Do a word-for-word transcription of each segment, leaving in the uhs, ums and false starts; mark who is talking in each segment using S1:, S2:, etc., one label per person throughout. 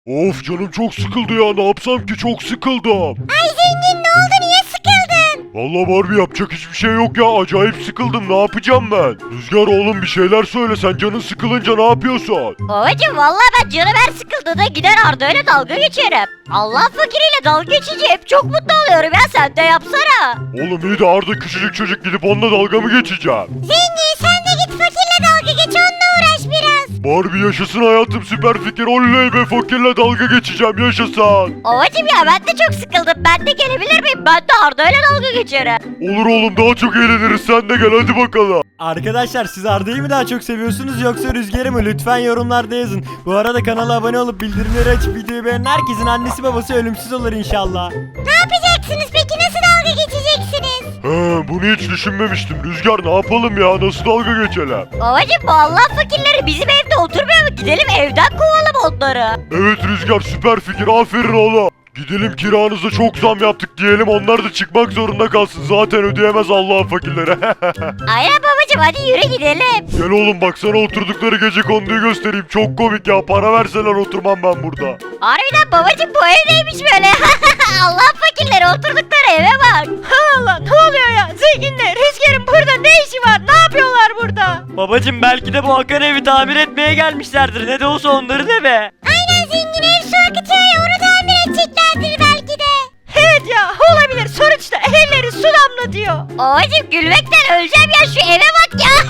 S1: Of canım çok sıkıldı ya, ne yapsam ki, çok sıkıldım.
S2: Ay zengin, ne oldu, niye sıkıldın?
S1: Vallahi Barbie, yapacak hiçbir şey yok ya, acayip sıkıldım, ne yapacağım ben? Rüzgar oğlum bir şeyler söyle, sen canın sıkılınca ne yapıyorsun?
S2: Babacım vallahi ben canım her sıkıldığında gider Arda ile dalga geçerim. Allah fakiriyle dalga geçince hep çok mutlu oluyorum ya, sen de yapsana.
S1: Oğlum iyi de Arda küçücük çocuk, gidip onunla dalga mı geçeceğim?
S2: Zengin sen de git fakirle dalga geç, onunla uğraş biraz.
S1: Barbie yaşasın hayatım, süper fikir, oley be, fakirle dalga geçeceğim, yaşasın.
S2: Babacım ya ben de çok sıkıldım, ben de gelebilir miyim? Ben de Arda ile dalga geçerim.
S1: Olur oğlum, daha çok eğleniriz, sen de gel hadi bakalım.
S3: Arkadaşlar siz Arda'yı mı daha çok seviyorsunuz yoksa Rüzgar'ı mı? Lütfen yorumlarda yazın. Bu arada kanala abone olup bildirimleri açıp videoyu beğenen herkesin annesi babası ölümsüz olur inşallah.
S2: Ne yapacaksınız peki, nasıl dalga geçeceksiniz?
S1: He, bunu hiç düşünmemiştim. Rüzgar ne yapalım ya, nasıl dalga geçelim?
S2: Babacım bu Allah fakirleri bizim evde oturmuyor mu? Gidelim evden kovalım onları.
S1: Evet Rüzgar, süper fikir, aferin oğlum. Gidelim kiranıza çok zam yaptık diyelim, onlar da çıkmak zorunda kalsın, zaten ödeyemez Allah'ın fakirleri.
S2: Aynen babacım, hadi yürü gidelim.
S1: Gel oğlum, baksana oturdukları gece konduyu göstereyim, çok komik ya, para verseler oturmam ben burada.
S2: Harbiden babacım bu ev neymiş böyle? Allah fakirleri oturdukları eve bak. Allah, ne oluyor ya? Zenginler, Rüzgar'ın burada ne işi var? Ne yapıyorlar burada?
S3: Babacım belki de bu Hakan evi tamir etmeye gelmişlerdir. Ne de olsa onların evi.
S2: Aynen zengin, ev su akıtıyor ya, onu tamir edeceklerdir belki de. Evet ya, olabilir, sonuçta evleri su damlatıyor. Babacım gülmekten öleceğim ya, şu eve bak ya.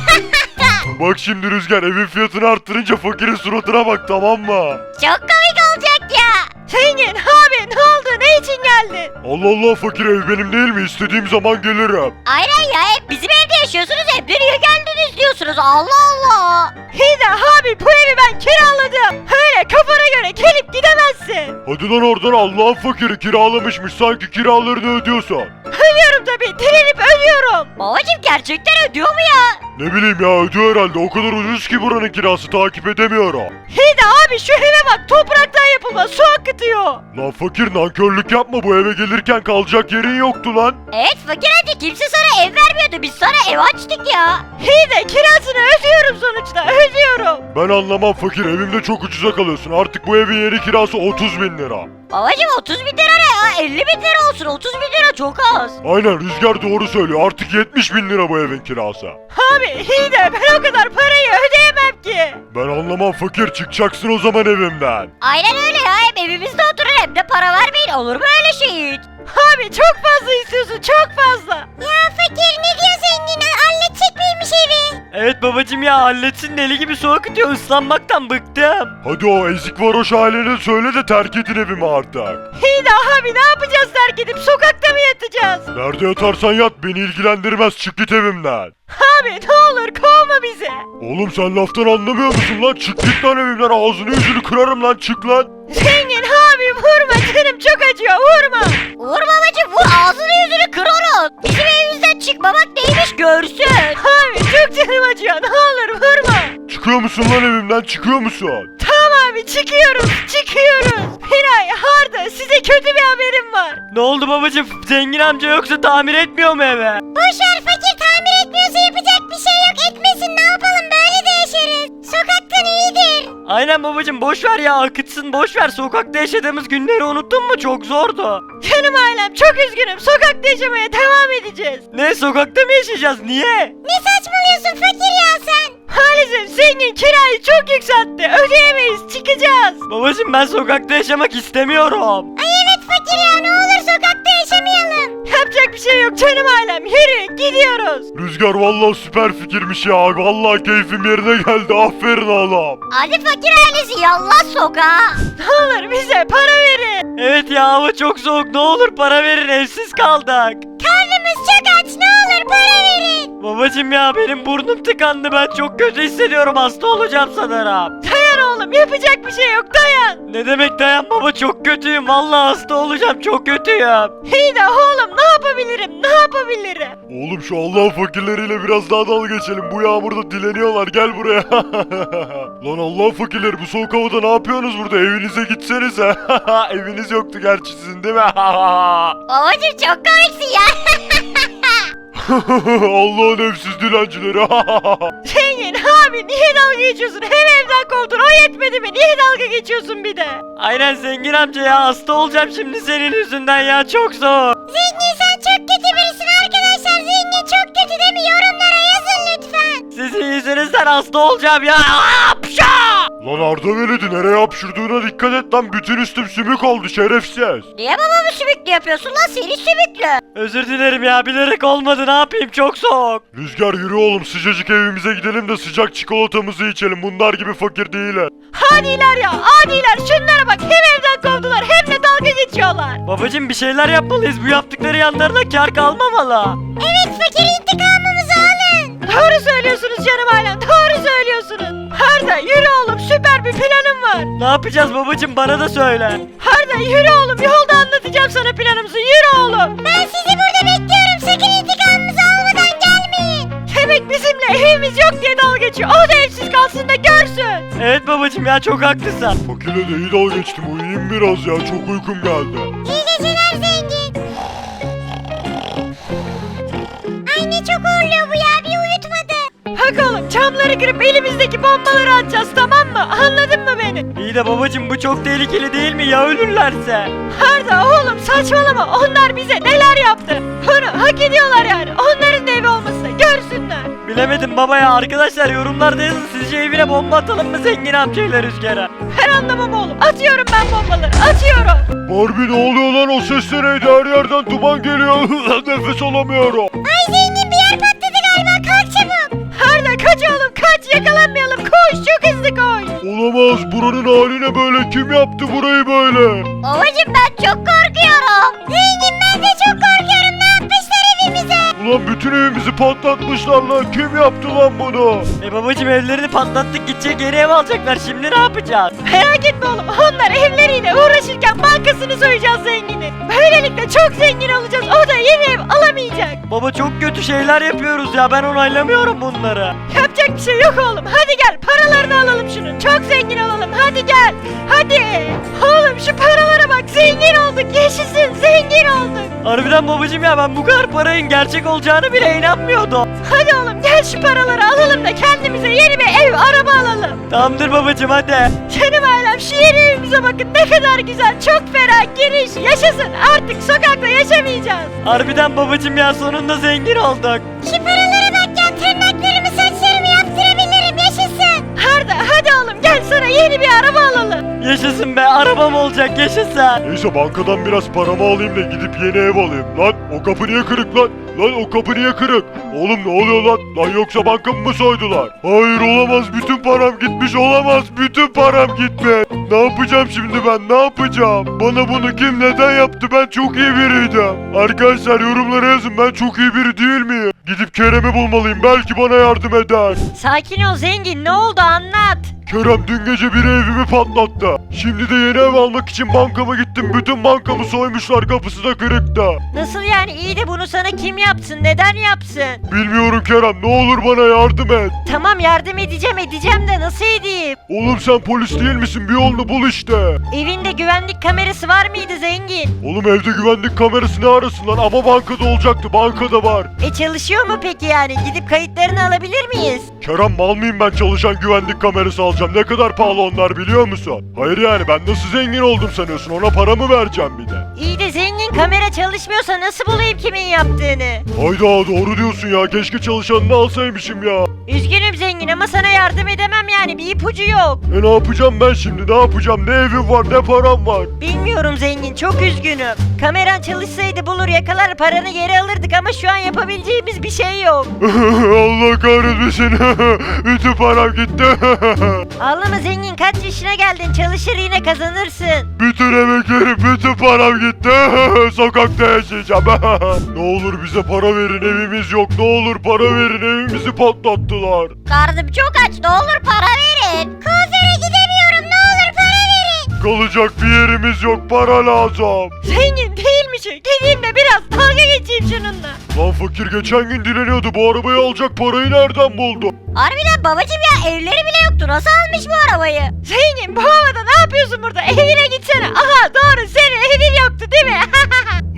S1: Bak şimdi Rüzgar, evin fiyatını arttırınca fakirin suratına bak, tamam mı?
S2: Çok komik olacak ya. Zengin abi, ne oldu, ne için geldin?
S1: Allah Allah, fakir ev benim değil mi? İstediğim zaman gelirim.
S2: Aynen ya, hep bizim evde yaşıyorsunuz, hep niye geldiniz diyorsunuz, Allah Allah. İyi de abi, bu evi ben kiraladım. Öyle kafana göre gelip gidemezsin.
S1: Hadi lan oradan, Allah'ın fakiri kiralamışmış, sanki kiralarını ödüyorsan.
S2: Ödüyorum tabii, direnip ödüyorum. Babacım gerçekten ödüyor mu ya?
S1: Ne bileyim ya, ödüyor herhalde, o kadar ucuz ki buranın kirası, takip edemiyorum.
S2: İyi de abi, şu eve bak, topraktan yapılma, su akıtıyor.
S1: Lan fakir, nankörlük yapma, bu eve gelirken kalacak yerin yoktu lan.
S2: Evet fakir hadi, kimse sana ev vermiyordu, biz sana ev açtık ya. İyi de kirasını ödüyorum sonuçta, ödüyorum.
S1: Ben anlamam fakir, evimde çok ucuza kalıyorsun, artık bu evin yeni kirası otuz bin lira.
S2: Babacım otuz bin lira ne ya, elli bin lira olsun, otuz bin lira çok az.
S1: Aynen, Rüzgar doğru söylüyor, artık yetmiş bin lira bu evin kirası.
S2: Abi iyi de ben o kadar parayı ödeyemem ki.
S1: Ben anlamam fakir, çıkacaksın o zaman evimden.
S2: Aynen öyle ya, hem evimizde oturur hem de para vermeyin, olur mu öyle şey? Abi çok fazla istiyorsun, çok fazla. Ya fakir ne diyor zengin, halledecek miymiş evi?
S3: Evet babacım ya, halletsin, deli gibi su akıtıyor, ıslanmaktan bıktım.
S1: Hadi o ezik varoş haline söyle de terk edin evimi artık.
S2: İyi de abi, ne yapacağız, terk edip sokakta mı yatacağız?
S1: Nerede yatarsan yat, beni ilgilendirmez, çık git evimden.
S2: Abi ne olur kovma bizi.
S1: Oğlum sen laftan anlamıyor musun lan? Çık git lan evimden, ağzını yüzünü kırarım lan, çık lan.
S2: Zengin abi vurma, canım çok acıyor, vurma. Vur babacım, vur, ağzını yüzünü kır onun. Bizim evimizden çıkmamak neymiş görsün. Abi çok canım acıyor, ne olur vurma.
S1: Çıkıyor musun lan evimden, çıkıyor musun?
S2: Tamam abi, çıkıyoruz çıkıyoruz. Miray, Arda, size kötü bir haberim var.
S3: Ne oldu babacım? Zengin amca yoksa tamir etmiyor mu eve?
S2: Boşver fakir, tamir etmiyorsa yapacak bir şey yok, etmesin, ne yapalım, böyle de yaşarız. Sokaktan iyidir.
S3: Aynen babacım, boş ver ya, akıtsın, boş ver. Sokakta yaşadığımız günleri unuttun mu? Çok zordu.
S2: Canım ailem, çok üzgünüm, sokakta yaşamaya devam edeceğiz.
S3: Ne, sokakta mı yaşayacağız? Niye?
S2: Ne saçmalıyorsun fakir ya sen? Maalesef zengin kirayı çok yükseltti, ödeyemeyiz, çıkacağız.
S3: Babacım ben sokakta yaşamak istemiyorum.
S2: Ay evet fakir ya, ne olur sokakta yaşamayalım. Yapacak bir şey yok canım ailem, yürü gidiyoruz.
S1: Rüzgar vallahi süper fikirmiş ya, vallahi keyfim yerine geldi, aferin oğlum.
S2: Hadi fakir ailesi, yallah sokağa. Ne olur bize para verin.
S3: Evet ya, hava çok soğuk, ne olur para verin, evsiz kaldık.
S2: Karnımız çok aç, ne olur para verin.
S3: Babacım ya, benim burnum tıkandı, ben çok kötü hissediyorum, hasta olacağım sanırım.
S2: Dayan oğlum, yapacak bir şey yok, dayan.
S3: Ne demek dayan baba, çok kötüyüm, vallahi hasta olacağım, çok kötüyüm.
S2: İyi de oğlum, ne yapabilirim, ne yapabilirim?
S1: Oğlum şu Allah'ın fakirleriyle biraz daha dalga geçelim, bu yağmurda dileniyorlar, gel buraya. Lan Allah'ın fakirleri, bu soğuk havada ne yapıyorsunuz burada, evinize gitsenize. Eviniz yoktu gerçi sizin değil mi?
S2: Babacım çok komiksin ya.
S1: Allah'ın evsiz dilencileri.
S2: Zengin Zengin abi niye dalga geçiyorsun? Hem evden kovdun o yetmedi mi? Niye dalga geçiyorsun bir de?
S3: Aynen zengin amca ya, hasta olacağım şimdi senin yüzünden ya, çok zor.
S2: Zengin sen çok kötü birisin arkadaşlar. Zengin çok kötü değil mi? Yorumlara yazın lütfen.
S3: Sizin yüzünüzden hasta olacağım ya. Apşa!
S1: Lan Arda Veledi, nereye hapşırdığına dikkat et lan, bütün üstüm sümük oldu şerefsiz.
S2: Niye babamı sümüklü yapıyorsun lan? Seni sümüklü.
S3: Özür dilerim ya, bilerek olmadı, ne yapayım, çok soğuk.
S1: Rüzgar yürü oğlum, sıcacık evimize gidelim de sıcak çikolatamızı içelim, bunlar gibi fakir değiller.
S2: Hadiler ya adiler, şunlara bak, hem evden kovdular hem de dalga geçiyorlar.
S3: Babacım bir şeyler yapmalıyız, bu yaptıkları yanlarına kar kalmamalı.
S2: Evet fakir, intikamımızı alın. Doğru söylüyorsunuz canım ailem, doğru söylüyorsunuz. Arda yürü oğlum, süper bir planım var.
S3: Ne yapacağız babacım, bana da söyle.
S2: Arda yürü oğlum, yolda anlatacağım sana planımızı, yürü oğlum. Ben sizi burada bekliyorum, sakın intikamımızı almadan gelmeyin. Demek bizimle evimiz yok diye dalga geçiyor, o da evsiz kalsın da görsün.
S3: Evet babacım ya, çok haklısın.
S1: Fakirle de iyi dalga geçtim, uyuyayım biraz ya, çok uykum geldi.
S2: İyi geceler zengin. Ay ne çok horluyor bu ya, bir uyutmadı. Bak oğlum, camları kırıp elimizdeki bombaları atacağız, tamam mı? Anladın mı beni?
S3: İyi de babacım bu çok tehlikeli değil mi ya, ölürlerse?
S2: Arda oğlum saçmalama, onlar bize neler yaptı? Bunu hak ediyorlar yani, onların da evi olmasını görsünler.
S3: Bilemedim baba ya, arkadaşlar yorumlarda yazın, sizce evine bomba atalım mı zengin amcayla Rüzgar'a?
S2: Ben anlamam oğlum, atıyorum ben bombaları, atıyorum.
S1: Barbie ne oluyor lan, o ses neydi, her yerden duman geliyor, nefes alamıyorum.
S2: Ay zengin, bir yer patladı galiba, kalk çabuk. Arda kaç oğlum kaç, yakalanmayalım, koş çok hızlı koş.
S1: Olamaz, buranın hali ne böyle, kim yaptı burayı böyle?
S2: Babacım ben çok korkuyorum. Zengin ben de çok korkuyorum, ne yapmışlar evimize?
S1: Ulan bütün evimizi patlatmışlar lan, kim yaptı lan bunu?
S3: E babacım evlerini patlattık, gidecek yeni ev alacaklar, şimdi ne yapacağız?
S2: Merak etme oğlum, onlar evleriyle uğraşırken bankasını soyacağız zenginin. Böylelikle çok zengin olacağız, o da yeni ev alamayacak.
S3: Baba çok kötü şeyler yapıyoruz ya, ben onaylamıyorum bunları.
S2: Yapacak bir şey yok oğlum, hadi gel paralarını alalım şunun, çok zengin olalım, hadi gel. Hadi. Oğlum şu paralara bak, zengin olduk, yaşasın, zengin olduk.
S3: Harbiden babacım ya, ben bu kadar parayın gerçek olacağını bile inanmıyordum.
S2: Hadi oğlum gel şu paraları alalım da kendimize yeni bir ev, araba alalım.
S3: Tamamdır babacım, hadi.
S2: Canım ailem, şu yeni evimize bakın, ne kadar güzel, çok ferah, geniş, yaşasın, artık sokakta yaşamayacağız.
S3: Harbiden babacım ya, sonunda zengin olduk.
S2: Şu paralara bak ya, tırnaklarımı saçlarımı yaptırabilirim, yaşasın. Arda hadi oğlum gel, sana yeni bir araba alalım.
S3: Yaşasın be, arabam olacak, yaşasın.
S1: Neyse bankadan biraz paramı alayım da gidip yeni ev alayım. Lan o kapı niye kırık lan? Lan o kapı niye kırık? Oğlum ne oluyor lan? Lan yoksa bankamı mı soydular? Hayır olamaz, bütün param gitmiş, olamaz, bütün param gitmiş. Ne yapacağım şimdi ben, ne yapacağım? Bana bunu kim neden yaptı, ben çok iyi biriydim. Arkadaşlar yorumlara yazın, ben çok iyi biri değil miyim? Gidip Kerem'i bulmalıyım, belki bana yardım eder.
S2: Sakin ol zengin, ne oldu anlat.
S1: Kerem dün gece biri evimi patlattı. Şimdi de yeni ev almak için bankama gittim. Bütün bankamı soymuşlar, kapısı da kırıktı.
S2: Nasıl yani, iyi de bunu sana kim yapsın, neden yapsın?
S1: Bilmiyorum Kerem, ne olur bana yardım et.
S2: Tamam yardım edeceğim edeceğim de nasıl edeyim?
S1: Oğlum sen polis değil misin? Bir yolunu bul işte.
S2: Evinde güvenlik kamerası var mıydı zengin?
S1: Oğlum evde güvenlik kamerası ne arasın lan? Ama bankada olacaktı, bankada var.
S2: E çalışıyor mu peki yani? Gidip kayıtlarını alabilir miyiz?
S1: Kerem mal mıyım ben çalışan güvenlik kamerası alacağım? Ne kadar pahalı onlar biliyor musun? Hayır yani ben nasıl zengin oldum sanıyorsun? Ona para mı vereceğim bir de?
S2: İyi de zengin, kamera çalışmıyorsa nasıl bulayım kimin yaptığını?
S1: Hayda doğru diyorsun ya, keşke çalışanını alsaymışım ya.
S2: Üzgünüm zengin ama sana yardım edemem yani, bir ipucu yok.
S1: E ne yapacağım ben şimdi, ne yapacağım? Ne evim var ne param var.
S2: Bilmiyorum zengin, çok üzgünüm. Kameran çalışsaydı bulur yakalar paranı geri alırdık ama şu an yapabileceğimiz bir şey yok.
S1: Allah kahretmesin. Bütün param gitti.
S2: Ağlama zengin, kaç yaşına geldin, çalışır yine kazanırsın.
S1: Bütün emeklerim, bütün param gitti. Sokakta yaşayacağım. Ne olur bize para verin, evimiz yok. Ne olur para verin, evimizi patlattılar.
S2: Karnım çok aç, ne olur para verin. Kuaföre gidemiyorum, ne olur para verin.
S1: Kalacak bir yerimiz yok, para lazım.
S2: Zengin değilmiş, gideyim de biraz dalga geçeyim şununla.
S1: Lan fakir geçen gün dileniyordu, bu arabayı alacak parayı nereden buldu?
S2: Harbiden babacım ya, evleri bile yoktu, nasıl almış bu arabayı? Zengin bu havada ne yapıyorsun burada, evine gitsene. Aha doğru, senin evin yoktu değil mi?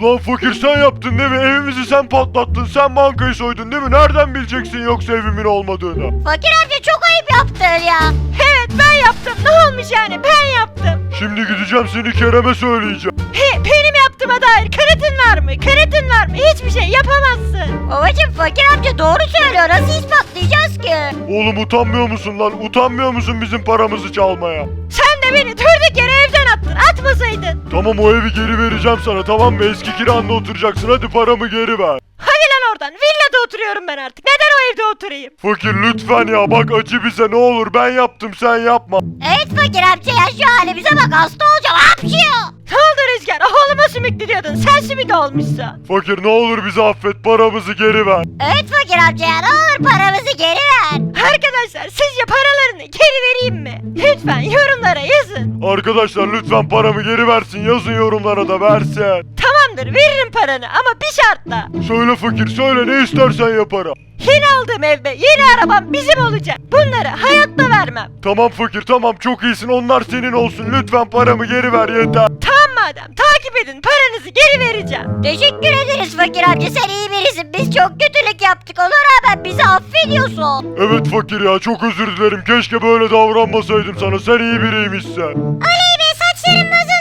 S1: Lan fakir sen yaptın değil mi? Evimizi sen patlattın. Sen bankayı soydun değil mi? Nereden bileceksin yoksa evimin olmadığını?
S2: Fakir amca çok ayıp yaptın ya. Evet ben yaptım. Ne olmuş yani ben yaptım.
S1: Şimdi gideceğim seni Kerem'e söyleyeceğim.
S2: He, benim yaptığıma dair kanıtın var mı? Kanıtın var mı? Hiçbir şey yapamazsın. Babacım fakir amca doğru söylüyor. Nasıl ispatlayacağız ki?
S1: Oğlum utanmıyor musun lan? Utanmıyor musun bizim paramızı çalmaya?
S2: Sen de beni durduk yere evden attın. Atmasaydın.
S1: Tamam o evi geri vereceğim sana tamam mı? Eski kiranda oturacaksın hadi paramı geri ver.
S2: Hadi lan oradan. Villada oturuyorum ben artık. Neden o evde oturayım?
S1: Fakir lütfen ya bak acı bize ne olur ben yaptım sen yapma.
S2: Evet fakir amca ya şu halimize bak hasta olacağım. Hapşıyor. Ne oldu Rüzgar? Oğluma sümüklü diyordun. Sen sümük olmuşsun.
S1: Fakir ne olur bizi affet paramızı geri ver.
S2: Evet fakir amca ya ne olur paramızı geri ver. Arkadaşlar sizce paralarını geri vereyim mi? Lütfen yorumlara yazın.
S1: Arkadaşlar lütfen paramı geri versin yazın yorumlara da versin.
S2: Tamamdır veririm paranı ama bir şartla.
S1: Söyle fakir söyle ne istersen yaparım.
S2: Yeni aldığım ev ve yeni arabam bizim olacak. Bunları hayatta vermem.
S1: Tamam fakir tamam çok iyisin onlar senin olsun lütfen paramı geri ver yeter.
S2: Tamam madem takip edin paranızı geri vereceğim. Teşekkür ederiz fakir amca sen iyi birisin. Biz çok kötülük yaptık ona rağmen bizi affediyorsun.
S1: Evet fakir ya çok özür dilerim keşke böyle davranmasaydım sana sen iyi biriymişsin.
S2: Oley be saçlarım nasıl